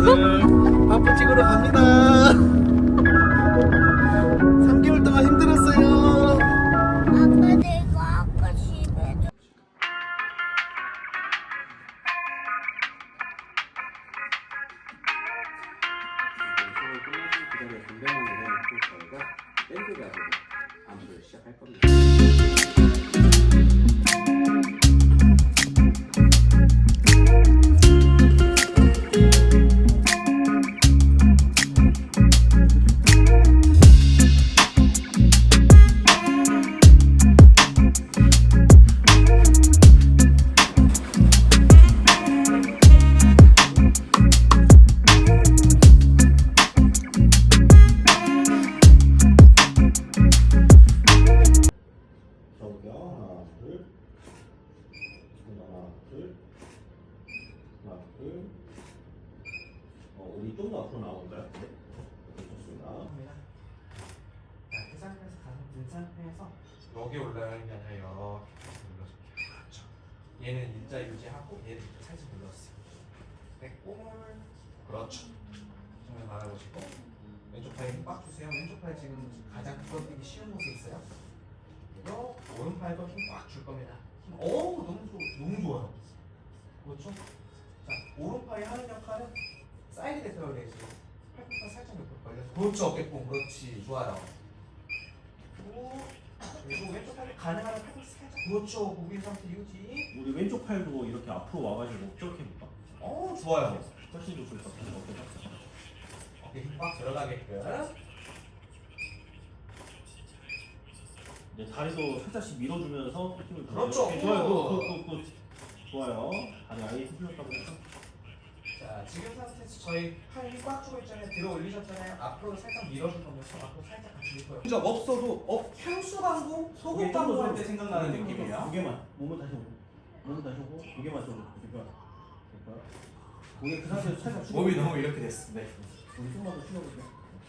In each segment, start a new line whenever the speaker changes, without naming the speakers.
오늘 바쁘 찍으러 갑니다. 3개월 동안 힘들었어요.
아까 내가 아까 집에
수업을 끝나신 기다려 분명한 내려놓고 저희가 밴드 가지고 안무를 시작할 겁니다.
저기요. 하나, 둘. 하나, 둘. 하나, 둘. 우리 좀 더 앞으로 나올까요? 네. 좋습니다.
자, 그 상태에서 가슴 든 상태에서 여기 올라가는 게 아니라 이렇게 눌러줄게요. 그렇죠. 얘는 일자 유지하고 얘는 이렇게 살짝 눌러주세요. 뺐고 그렇죠. 정면 바라보시고 왼쪽 팔에 힘 빡 주세요. 왼쪽 팔 지금 가장 부러뜨리기 쉬운 곳에 있어요. 그리고 오른팔도 힘 꽉 줄 겁니다. 어우 너무 좋아요. 그렇죠? 자, 오른팔이 하는 역할은 사이드 대표를 해야지. 팔꿈치 살짝 옆으로 벌려서 그렇죠. 어깨뽕 그렇지. 좋아요. 그리고 왼쪽 팔이 가능하면 팔꿈치 살짝 그렇죠. 구부린 상태 유지.
우리 왼쪽 팔도 이렇게 앞으로 와가지고 저렇게 해볼까?
좋아요.
훨씬 좋을 것 같아요. 어때요?
어깨 힘 꽉 들어가게끔.
네, 다리도 살짝씩 밀어주면서 힘을
그렇죠.
네, 좋아요. 굿. 좋아요. 다리 아예 풀렸다고 해서.
자, 지금 상태에서 저희 팔 힘 꽉 주고 있잖아요. 들어 올리셨잖아요. 앞으로 살짝 밀어줄 거면서 앞으로 살짝 같이 밀 거예요. 진짜 없어도 향수 광고, 소금 광고 할 때 생각나는 느낌이에요.
무게만. 몸은 다시 오고. 무게만 좀. 무게 그 상태에서 살짝 숙여.
몸이 너무 이렇게 됐어. 네.
우리 조금만 더 숙여볼게요.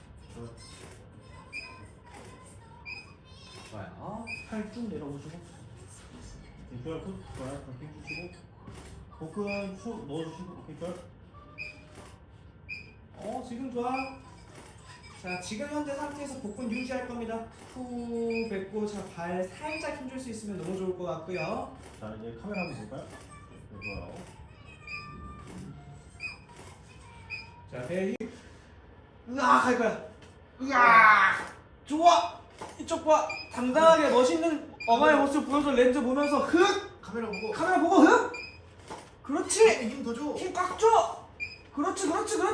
좋아요.
팔 쭉 내려보시고. 좋아요. 좋아요. 그렇게 주시고. 복근 쭉 넣어주시고. 오케이, 좋아요.
지금 좋아. 자, 지금 현재 상태에서 복근 유지할 겁니다. 후 뱉고 자, 발 살짝 힘줄 수 있으면 너무 좋을 것 같고요.
자, 이제 카메라 한번 볼까요? 네, 좋아요.
자, 배 힘. 으악 할 거야. 으악. 좋아. 이쪽 봐. 당당하게 멋있는 엄마의 모습 보여서 렌즈 보면서 흑.
카메라 보고
카메라 보고 흑. 그렇지.
힘 더 줘.
힘 꽉 줘. 그렇지.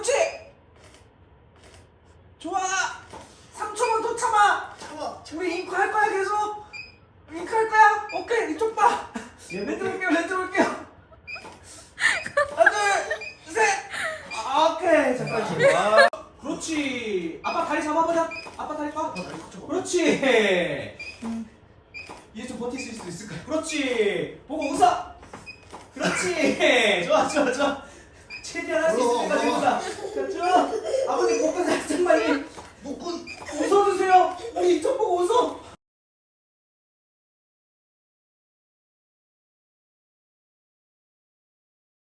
좋아. 3초만 더 참아.
참아.
우리 잉크 할 거야 계속. 잉크 할 거야. 오케이 이쪽 봐. 렌즈 볼게요. 하나 둘 셋. 오케이 잠깐 쉬어. 그렇지. 아빠 다리 잡아보자. 아빠 다리 꽉. 그렇지. 이제 좀 버틸 수 있을까? 그렇지. 보고 웃어. 그렇지. 좋아. 최대한 할 수 있을 때까지 웃어.